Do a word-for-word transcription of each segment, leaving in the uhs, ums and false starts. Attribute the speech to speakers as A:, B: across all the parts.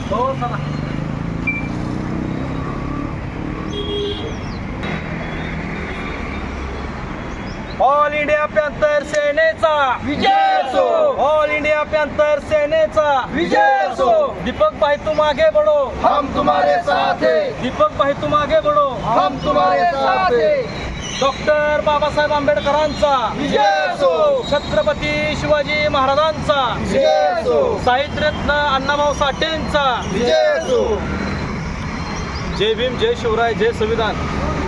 A: हो चला. All India panther सेनेचा
B: विजय असो.
A: ऑल इंडिया पॅन्थर सेनेचा
B: विजय असो.
A: दीपक भाई तुम आगे बढ़ो,
B: हम तुम्हारे साथ हैं.
A: दीपक भाई तुम आगे बढ़ो.
B: हम तुम्हारे साथ हैं.
A: डॉक्टर बाबासाहेब आंबेडकरांचा
B: विजय असो.
A: छत्रपती शिवाजी महाराजांचा
B: विजय असो.
A: साहित्यरत्न अण्णाभाऊ साठेंचा
B: विजय असो.
A: जय भीम, जय शिवराय, जय संविधान.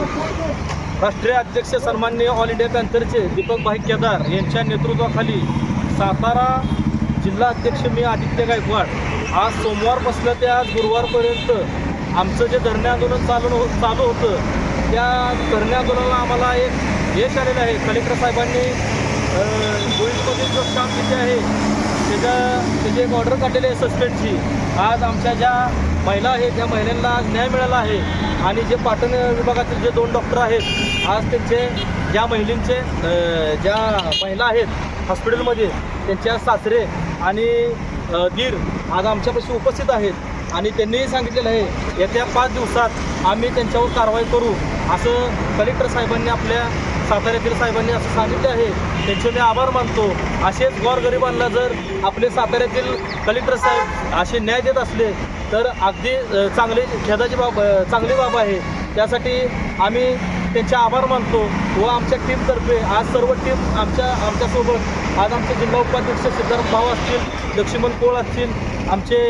A: राष्ट्रीय अध्यक्ष सन्माननीय ऑल इंडिया पॅन्थरचे दीपक भाई केदार यांच्या नेतृत्वाखाली सातारा जिल्हा अध्यक्ष मी आदित्य गायकवाड आज सोमवारपासून ते आज गुरुवारपर्यंत आमचं जे धरणे आंदोलन चालू हो चालू होतं त्या धरणे आंदोलनाला आम्हाला एक यश आलेलं आहे. कलेक्टर साहेबांनी गोविंदमध्ये जो काम किती आहे त्याच्या त्याची एक ऑर्डर काढलेली आहे सस्पेंडची. आज आमच्या ज्या महिला आहेत त्या महिलांना आज न्याय मिळाला आहे आणि जे पाटण विभागातील जे दोन डॉक्टर आहेत आज त्यांचे ज्या महिलांचे ज्या महिला आहेत हॉस्पिटलमध्ये त्यांच्या सासरे आणि दीर आज आमच्यापाशी उपस्थित आहेत आणि त्यांनीही सांगितलेलं आहे येत्या पाच दिवसात आम्ही त्यांच्यावर कारवाई करू असं कलेक्टर साहेबांनी आपल्या साताऱ्यातील साहेबांनी असं सांगितले आहे. त्यांचे मी आभार मानतो. असेच गोरगरिबांना जर आपले साताऱ्यातील कलेक्टर साहेब असे न्याय देत असले तर अगदी चांगली खेदाची बाब चांगली बाब आहे. त्यासाठी आम्ही त्यांचे आभार मानतो व आमच्या टीमतर्फे आज सर्व टीम आमच्या आमच्यासोबत आज आमचे जिल्हा उपाध्यक्ष सिद्धार्थ भाऊ असतील, लक्ष्मण कोळ असतील, आमचे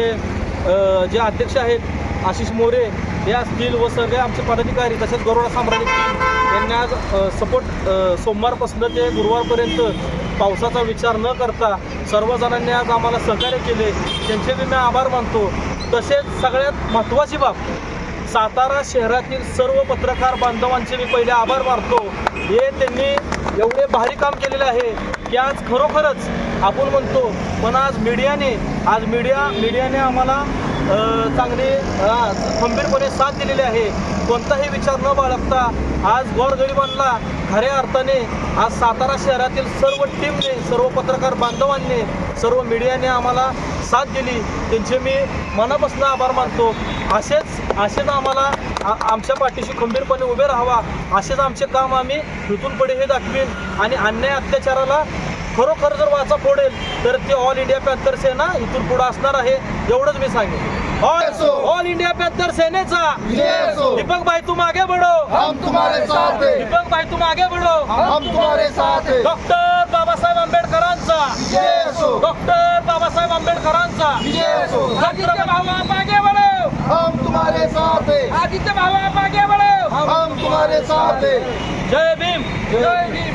A: जे अध्यक्ष आहेत आशिष मोरे हे असतील व सगळे आमचे पदाधिकारी तसेच गरोडा साम्राज्य टीम यांनी आज सपोर्ट सोमवारपासून ते गुरुवारपर्यंत पावसाचा विचार न करता सर्वजणांनी आज आम्हाला सहकार्य केले. त्यांचे मी आभार मानतो. तसेच सगळ्यात महत्त्वाची बाब सातारा शहरातील सर्व पत्रकार बांधवांचे मी पहिले आभार मानतो. हे त्यांनी एवढे भारी काम केलेले आहे की आज खरोखरच आपण म्हणतो पण आज मीडियाने आज मीडिया मीडियाने आम्हाला चांगली खंबीरपणे साथ दिलेली आहे. कोणताही विचार न बाळगता आज गोरगरिबांना खऱ्या अर्थाने आज सातारा शहरातील सर्व टीमने सर्व पत्रकार बांधवांनी सर्व मीडियाने आम्हाला साथ दिली. त्यांचे मी मनापासून आभार मानतो. असेच असेच आम्हाला आमच्या पाठीशी खंबीरपणे उभे राहावा असेच आमचे काम आम्ही इथून पुढे हे दाखवेन आणि अन्याय अत्याचाराला खरोखर जर वाचा फोडेल तर ते ऑल इंडिया पॅन्थर सेना इथून पुढे असणार आहे एवढंच मी सांगेन. ऑल इंडिया पॅन्थर सेनेचा दीपक भाई तुम आगे बढ़ो,
B: हम तुम्हारे साथ हैं.
A: दीपक भाई तुम आगे बढ़ो,
B: हम तुम्हारे साथ हैं.
A: डॉक्टर बाबासाहेब आंबेडकरांचा
B: विजय असो.
A: डॉक्टर बाबासाहेब आंबेडकरांचा
B: विजय असो.
A: आदित्य भाऊ आप आगे बढ़ो,
B: हम तुम्हारे साथ हैं.
A: आदित्य भाऊ आप आगे बढ़ो,
B: हम तुम्हारे साथ हैं.
A: जय भीम, जय भीम.